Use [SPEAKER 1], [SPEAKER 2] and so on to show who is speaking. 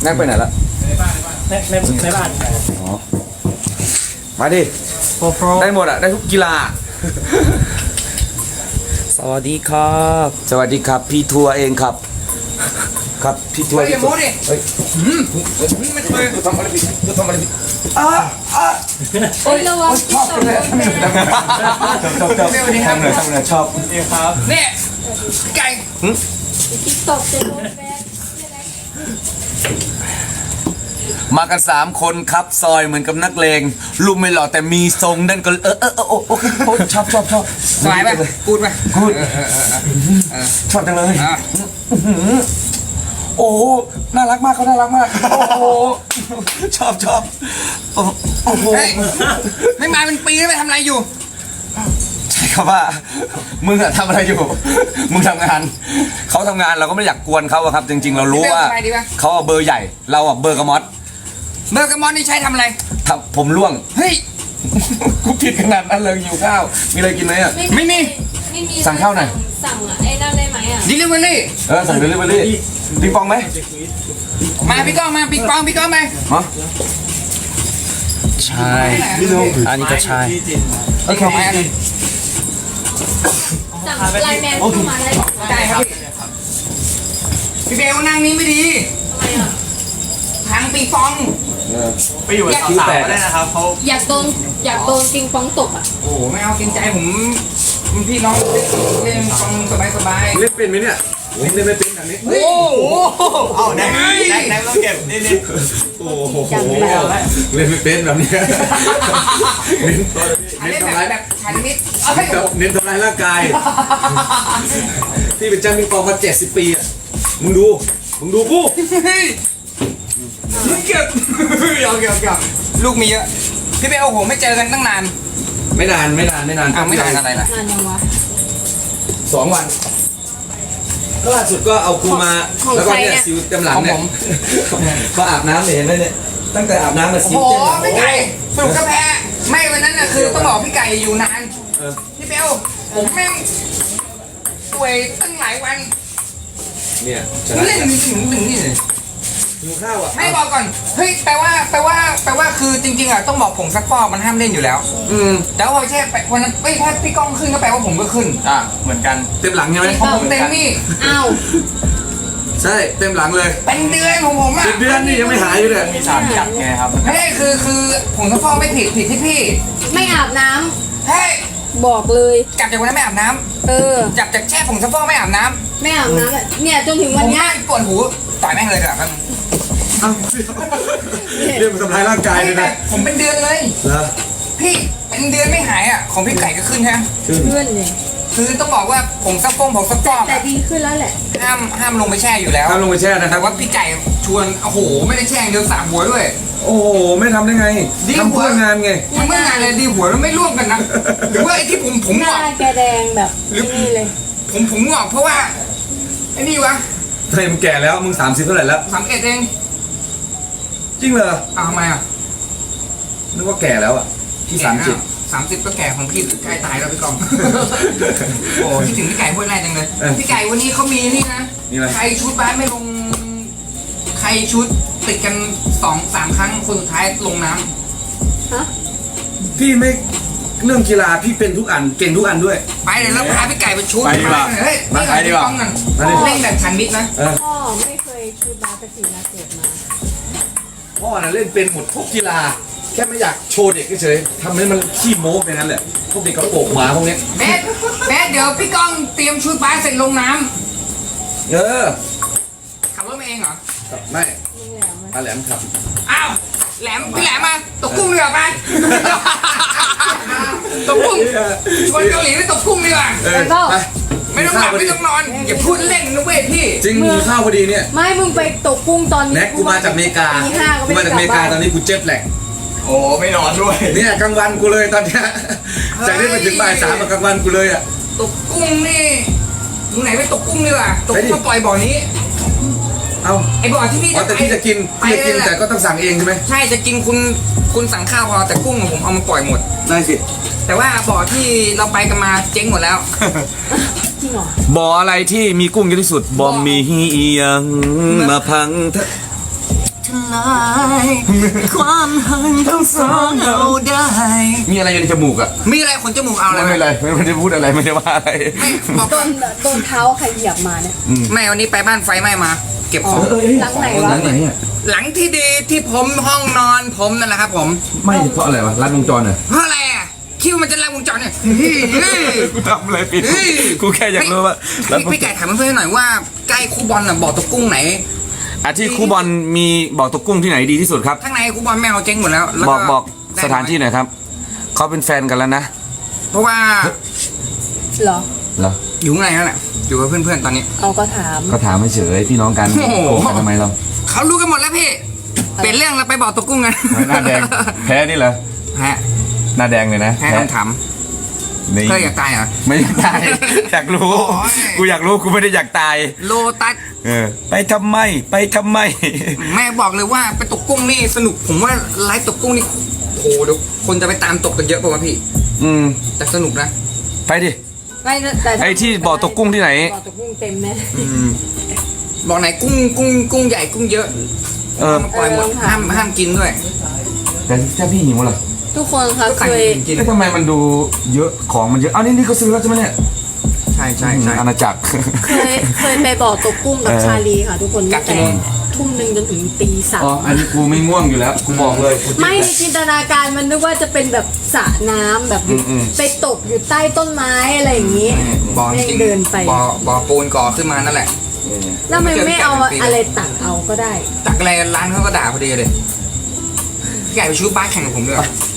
[SPEAKER 1] แน็กไปไหนละ
[SPEAKER 2] ในบ้าน
[SPEAKER 1] อ๋อมาดิได้หมดอ่ะได้ทุกกีฬา
[SPEAKER 3] สวัสดีครับ
[SPEAKER 1] สวัสดีครับพี่ทัวร์เองครับครับพี่ทัวร์
[SPEAKER 4] อย่าโม้ดิ
[SPEAKER 1] เฮ้ย
[SPEAKER 4] ไม่เคย
[SPEAKER 1] ทำอะไรผิดทำอะไรผิด
[SPEAKER 5] เฮ้ยระวังที่ตกลงไป
[SPEAKER 1] ชอบทำเลยชอบ
[SPEAKER 2] นี่ครับ
[SPEAKER 4] เนี่ยไก่
[SPEAKER 5] ที่ตกจะโดนแบน
[SPEAKER 1] มากัน3 คนครับซอยเหมือนกับนักเลงลุมไม่หล่อแต่มีทรงนั่นก็โอเคชอบ
[SPEAKER 4] สบายป่ะกูดป่ะ
[SPEAKER 1] กูดชอบจังเลยโอ้น่ารักมากเขาน่ารักมากโอ้โหชอบโอ้โห
[SPEAKER 4] ไม่มาเป็นปีแล้วไปทำอะไรอยู่
[SPEAKER 1] ใช่ครับว่ามึงอะทำอะไรอยู่มึงทำงานเขาทำงานเราก็ไม่อยากกวนเขาอะครับจริงๆเรารู้ว่าเขาเบอร์ใหญ่เราอะเบอร์กระมอส
[SPEAKER 4] เบอร์กระมอนนี่ใช้ทำอะไร
[SPEAKER 1] ผมร่วง
[SPEAKER 4] เฮ้ย
[SPEAKER 1] กูผิดขนาดนั้นเลยหิวข้าวมีอะไรกินไหมอะ
[SPEAKER 4] ไม่มี
[SPEAKER 1] สั่งข้าวหน่อย
[SPEAKER 5] สั่งไอ้นั่นได้ไหมอ่ะ
[SPEAKER 4] ดิลิเวอรี่
[SPEAKER 1] สั่งเดลิเวอรี่ปิงปองไหม
[SPEAKER 4] มาพี่ก้องมาปิงปองไป
[SPEAKER 1] ฮะ
[SPEAKER 3] ใช่อันนี้ก็ใช่
[SPEAKER 1] โอเค
[SPEAKER 5] สั่งไลน์แมนเข้ามาได้
[SPEAKER 4] ได้ครับพี่เบลนั่งนี้ไม่ดี
[SPEAKER 5] ทำไมอ่ะ
[SPEAKER 4] ทางปิงปอง
[SPEAKER 2] ไปอยู่กับสาวๆก็ได้นะครับเขา
[SPEAKER 5] อยากโดนปิงปองตกอ่ะ
[SPEAKER 4] โอ้ไม่เอาเกรงใจผมพี่น้องเล่นปิงปองสบาย
[SPEAKER 1] เล่นเป็นไหมเนี่ยเล่นไม่เป็นแบบนี้
[SPEAKER 4] โอ้โห
[SPEAKER 2] เอาแน็กต้องเก็บนี่
[SPEAKER 1] โอ้โหเล่นไม่เป็นแบบนี้
[SPEAKER 4] อันนี้แบบชันมิด
[SPEAKER 1] เน้นทำลายร่างกายที่เป็นจ้างปิงปองมา70 ปีอะมึงดูกู
[SPEAKER 4] เก็บลูกมีเยอะพี่เบลโอ้โหไม่เจอกันตั้งนาน
[SPEAKER 1] ไม่นาน
[SPEAKER 4] อ้าวไม่นานอะไรล่ะ
[SPEAKER 5] นานยังวะ
[SPEAKER 1] 2 วันก็ล่าสุดก็เอากูมา
[SPEAKER 5] ของ
[SPEAKER 1] แล้วก็
[SPEAKER 5] ใคร
[SPEAKER 1] เนี่
[SPEAKER 5] เนี่ย ย
[SPEAKER 1] สิวเต็มหลังเนี่ยมาอาบน้ำเห็นไหมเนี่ยตั้งแต่อาบน้ำมาสิว
[SPEAKER 4] โอ้โห
[SPEAKER 1] เต็มหลัง
[SPEAKER 4] พี่ไก่สรุปก็แพ้ไม่วันนั้นน่ะคือต้องบอกพี่ไก่อยู่นานพี่เบลผมแม่งป่วยตั้งหลายวัน
[SPEAKER 1] เนี่ยช
[SPEAKER 4] นี่
[SPEAKER 1] นะ
[SPEAKER 4] เล่นถึงนี่เลย
[SPEAKER 1] หิวข้าวอ่ะ
[SPEAKER 4] ไม่บอกก่อนเฮ้ยแปลว่าคือจริงๆอ่ะต้องบอกผมซักฟอกมันห้ามเล่นอยู่แล้ว แต่ว่าพอแช่ไปวันนั้นถ้าพี่ก้องขึ้นก็แปลว่าผมก็ขึ้น
[SPEAKER 2] เหมือนกัน
[SPEAKER 1] เต็มหลังใช่ไหม
[SPEAKER 4] ผมเต็มนี่
[SPEAKER 5] อ้าว
[SPEAKER 1] ใช่เต็มหลังเลย
[SPEAKER 4] เป็นเดือนของผมอ่ะ
[SPEAKER 1] เป็นเดือนนี่ยังไม่หายอยู่เลย
[SPEAKER 2] มีสารกัดไงครับ
[SPEAKER 4] ไม่ได้คือผมซักฟอกไม่ผิดที่พี่
[SPEAKER 5] ไม่อาบน้
[SPEAKER 4] เฮ้ย
[SPEAKER 5] ำบอกเลย
[SPEAKER 4] กลับจากวันนั้นไม่อาบน้ำ
[SPEAKER 5] เออ
[SPEAKER 4] จับจากแช่ผงซักฟอกไม่อาบน้ำ
[SPEAKER 5] ไม่อาบน้ำอะเนี่ยจนถึง
[SPEAKER 4] ผ
[SPEAKER 5] วัน
[SPEAKER 4] ม
[SPEAKER 5] เนี้ย
[SPEAKER 4] แม่งปวดหูต่อยแม่งเลยแบบนั้น
[SPEAKER 1] เรื่องมันทำลายร่างกายเลยนะ
[SPEAKER 4] ผมเป็นเดือนเลย
[SPEAKER 1] เหรอ
[SPEAKER 4] พี่เป็นเดือนไม่หายอ่ะของพี่ไก่ก็ขึ้นใช่ไหม
[SPEAKER 1] ขึ้น
[SPEAKER 5] เพื่อนเลย
[SPEAKER 4] คือต้องบอกว่าผงซักฟอก
[SPEAKER 5] แต่ดีขึ้นแล้วแหละ
[SPEAKER 4] ห้ามลงไปแช่อยู่แล้ว
[SPEAKER 1] ข้ามลงไปแช่นะค
[SPEAKER 4] แต่
[SPEAKER 1] รับ
[SPEAKER 4] ว่าพี่ไก่ชวนโอ้โหไม่ได้แช่อย่างเดียวสามหัวด้วย
[SPEAKER 1] โอ้โหไม่ทำได้ไง
[SPEAKER 4] ดี
[SPEAKER 1] ทำเพื่องานไง
[SPEAKER 4] ทำเมื่องานเลยดีหัวแล้วไม่ร่วมกันนะหรือว่าไอ้ที่ผม
[SPEAKER 5] ห
[SPEAKER 4] ง
[SPEAKER 5] น้า
[SPEAKER 4] อก
[SPEAKER 5] แกแดงแบบนี่เลย
[SPEAKER 4] ผมงอกเพราะว่าไอ้นี่วะ
[SPEAKER 1] เฮ้ยมึงแก่แล้วมึง30เท่าไหร่แล้ว
[SPEAKER 4] 31เอง
[SPEAKER 1] จริงเหรอ
[SPEAKER 4] อ้าวทำไมอ่ะ
[SPEAKER 1] นึกว่าแก่แล้วอ่ะที่30
[SPEAKER 4] ก็แก่ของพี่ใกล้ตายแล้วพี่กอง โอ้คิดถึงพี่ไก่พูดแรกจังเลยพี่ไก่วันนี้เขามีนี่นะ
[SPEAKER 1] นี่อะไร
[SPEAKER 4] ใครชุดบ้านไม่ลงใครชุดติดกัน2-3 ครั้งคนสุดท้ายลงน้ำ
[SPEAKER 5] ฮะ
[SPEAKER 1] พี่ไม่เรื่องกีฬาพี่เป็นทุกอันเก่งทุกอันด้วย
[SPEAKER 4] ไปเดี๋ยวเราพาพี่ไก่ไปชุด
[SPEAKER 2] ไปดีกว่า
[SPEAKER 4] เฮ้ย
[SPEAKER 2] มาไปดีกว่า
[SPEAKER 4] พี่ก้อง
[SPEAKER 1] มาดิ
[SPEAKER 4] เล่นแบบชันมิดนะ
[SPEAKER 5] พ่อไม่เคยชูบาสตินะเกิดมา
[SPEAKER 1] พ่อน่ะเล่นเป็นหมดทุกกีฬาแค่ไม่อยากโชว์เด็กเฉยๆทำให้มันขี้โม้ไปนั้นแหละพวกเด็กกระโปรงหมาพวกเนี้ย
[SPEAKER 4] แม่เดี๋ยวพี่ก้องเตรียมชุดบ้านเสร็จลงน้
[SPEAKER 1] เออ
[SPEAKER 4] ำขับรถมาเองเหรอ
[SPEAKER 1] ไม่
[SPEAKER 5] ลุงแหลม
[SPEAKER 1] อาแหลมขับ
[SPEAKER 4] อ้าวพี่แหลมมาตกกุ้งดีกว่าไป ตกกุ้งชวนเกาหลีไปตกกุ้งดีกว่า
[SPEAKER 1] เออไป
[SPEAKER 4] ไม่ต้องหลับไม่ต้องนอนอย่าพูดเล่นนะเว้ยพี่
[SPEAKER 1] จริงมีข้าวพอดีเนี่ย
[SPEAKER 5] ไม่มึงไปตกกุ้งตอนนี้
[SPEAKER 1] แน็กกูมาจากอเมริกา
[SPEAKER 5] ตีห้าก็
[SPEAKER 1] กู
[SPEAKER 5] ไม่
[SPEAKER 1] มา
[SPEAKER 5] ได้
[SPEAKER 1] จากอเมริ
[SPEAKER 5] ก
[SPEAKER 1] กา
[SPEAKER 5] ลับ
[SPEAKER 1] ตอ
[SPEAKER 5] บ้าน น
[SPEAKER 1] นี้กูเจ็ตแหลก
[SPEAKER 2] โอ้ไม่นอนด้วย
[SPEAKER 1] เนี่ยกลางวันกูเลยตอนเนี้ยจากนี้ไปถึงบ่าย3กลางวันกูเลยอ่ะ
[SPEAKER 4] ตกกุ้งนี่ตรงไหนไปตกกุ้งดีกว่าตก
[SPEAKER 1] ไปดิ
[SPEAKER 4] กุ้งมาปล่อยบ่อนี้
[SPEAKER 1] เอา
[SPEAKER 4] ไอ้บ่อที่พี่
[SPEAKER 1] อ๋อแต่พี่จะกิน
[SPEAKER 4] ไป
[SPEAKER 1] พี่จะกิน
[SPEAKER 4] เลย
[SPEAKER 1] แต่ก็ต้องสั่งเองใช่ไหม
[SPEAKER 4] ใช่จะกินคุณสั่งข้าวพอแต่กุ้งผมเอามาปล่อยหมด
[SPEAKER 1] ได้สิ
[SPEAKER 4] แต่ว่าบ่อที่เราไปกันมาเจ๊งหมดแล้ว
[SPEAKER 5] จริงเหรอ
[SPEAKER 1] บ่ออะไรที่มีกุ้งเยอะที่สุดบ่อมีเอียงมาพัง
[SPEAKER 4] ลายความหันทั้งสองเราได้
[SPEAKER 1] มีอะไรอยู่ในจมูกอ่ะ
[SPEAKER 4] มีอะไรขนจมูกเอาอะไร
[SPEAKER 1] ไม่เป็นไรไม่ได้พูดอะไรไม่ได้ว่าอะไร
[SPEAKER 4] บอก
[SPEAKER 5] โดนเท้าใครเหยียบมาเนี่ย
[SPEAKER 4] แม่วันนี้ไปบ้านไฟไหม้มา เก็บของ
[SPEAKER 5] หลังไหนวะ
[SPEAKER 1] หลังไหนอ่ะ
[SPEAKER 4] หลังที่ดีที่ผมห้องนอนผมนั่นแหละครับผม
[SPEAKER 1] ไม่เพราะอะไรวะรัดวงจรเหรอ
[SPEAKER 4] เพราะอะไรอ่ะคิดว่ามันจะลัดวงจรเนี่ย
[SPEAKER 1] กูทำอะไรผิดกูแค่อยากรู้ว่า
[SPEAKER 4] พี่ไก่ถามเพื่อนๆหน่อยว่าใกล้คูบอลน่ะบ่อตะกุ้งไหน
[SPEAKER 1] ที่ครูบอลมีบอกตกกุ้งที่ไหนดีที่สุดครับ
[SPEAKER 4] ข้างในคูบอลแมวเจ๊งหมดแล้วแล้ว
[SPEAKER 1] บอกสถานที่หน่อยครับเขาเป็นแฟนกันแล้วนะ
[SPEAKER 4] เพราะว่า
[SPEAKER 5] เหรอ
[SPEAKER 1] เหรอ
[SPEAKER 4] อยู่ข้างในนั่นแหละอยู่กับเพื่อนๆตอนนี้
[SPEAKER 5] เอาก็ถาม
[SPEAKER 1] ก็ถามไม่เฉยพี่น้องกัน
[SPEAKER 4] โอ้โห
[SPEAKER 1] โกงกันทำไมเรา
[SPEAKER 4] เขารู้กันหมดแล้วพี่เปลี่ยนเรื่องเราไปบ่อตะกุ้งกัน
[SPEAKER 1] หน้าแดงแพ้นี่เหรอ
[SPEAKER 4] แพ้
[SPEAKER 1] หน้าแดงเลยนะ
[SPEAKER 4] แพ้คำถาม
[SPEAKER 1] นี่
[SPEAKER 4] เคยอยากตายเหรอ
[SPEAKER 1] ไม่อยากตาย อยากรู้
[SPEAKER 4] โอ้ย
[SPEAKER 1] กูอยากรู้กูไม่ได้อยากตาย
[SPEAKER 4] โลตัส
[SPEAKER 1] ไปทำไมไปทำไม
[SPEAKER 4] แม่บอกเลยว่าไปตกกุ้งนี่สนุกผมว่าไลฟ์ตกกุ้งนี่โอ้โหเดี๋ยวคนจะไปตามตกกันเยอะป่าวะพี่
[SPEAKER 1] อืม
[SPEAKER 4] แต่สนุกนะ
[SPEAKER 1] ไปดิ
[SPEAKER 5] ไม่นะแต่ถ้า
[SPEAKER 1] ไอ้ที่บ่อตกกุ้งที่ไหน
[SPEAKER 5] บ่อตกกุ้งเต็มแน่
[SPEAKER 4] บอกไหนกุ้งใหญ่กุ้งเยอะ
[SPEAKER 1] เออ
[SPEAKER 4] มาปล่อยหมดห้ามกินด้วย
[SPEAKER 1] แต่ถ้าพี่หิวล่ะ
[SPEAKER 5] ทุกคนคะ
[SPEAKER 4] ก็
[SPEAKER 5] เค
[SPEAKER 4] ไก่
[SPEAKER 5] ย
[SPEAKER 4] กิน
[SPEAKER 1] แล้วทำไมมันดูเยอะของมันเยอะอ้าวนี่เขาซื้อแล้วใช่ไหมเนี่ย
[SPEAKER 4] ใช่ใช่ใช่
[SPEAKER 1] อาณาจักร
[SPEAKER 5] เคยไปบ่อตกกุ้งกับ
[SPEAKER 1] เออ
[SPEAKER 5] ชาลีค่ะ ทุกคน
[SPEAKER 4] กั
[SPEAKER 5] ตั้
[SPEAKER 4] ก
[SPEAKER 5] ง
[SPEAKER 4] กี่
[SPEAKER 5] แต่
[SPEAKER 4] โมง
[SPEAKER 5] ทุ่มหนึ่งจนถึงตีสาม
[SPEAKER 1] อ๋ออันนี้กูไม่ง่วงอยู่แล้วกูบอกเลยกู
[SPEAKER 5] ไม่ในจินตนาการมันนึกว่าจะเป็นแบบสระน้ำแบบอยู่ไปตกอยู่ใต้ต้นไม้อะไรอย่างนี้
[SPEAKER 4] บ่อจ
[SPEAKER 5] แม่ง
[SPEAKER 4] ริง
[SPEAKER 5] เดินไป
[SPEAKER 4] บ่อปูนก่อขึ้นมานั่นแหละ
[SPEAKER 5] แล้วทำไมไม่เอาอะไรตักเอาก็ได้
[SPEAKER 4] ตักอะไรร้านเขาก็ด่าพอดีเลยพี่ไก่ไปชูบ้านแข่งกับผมด้วย
[SPEAKER 1] ไ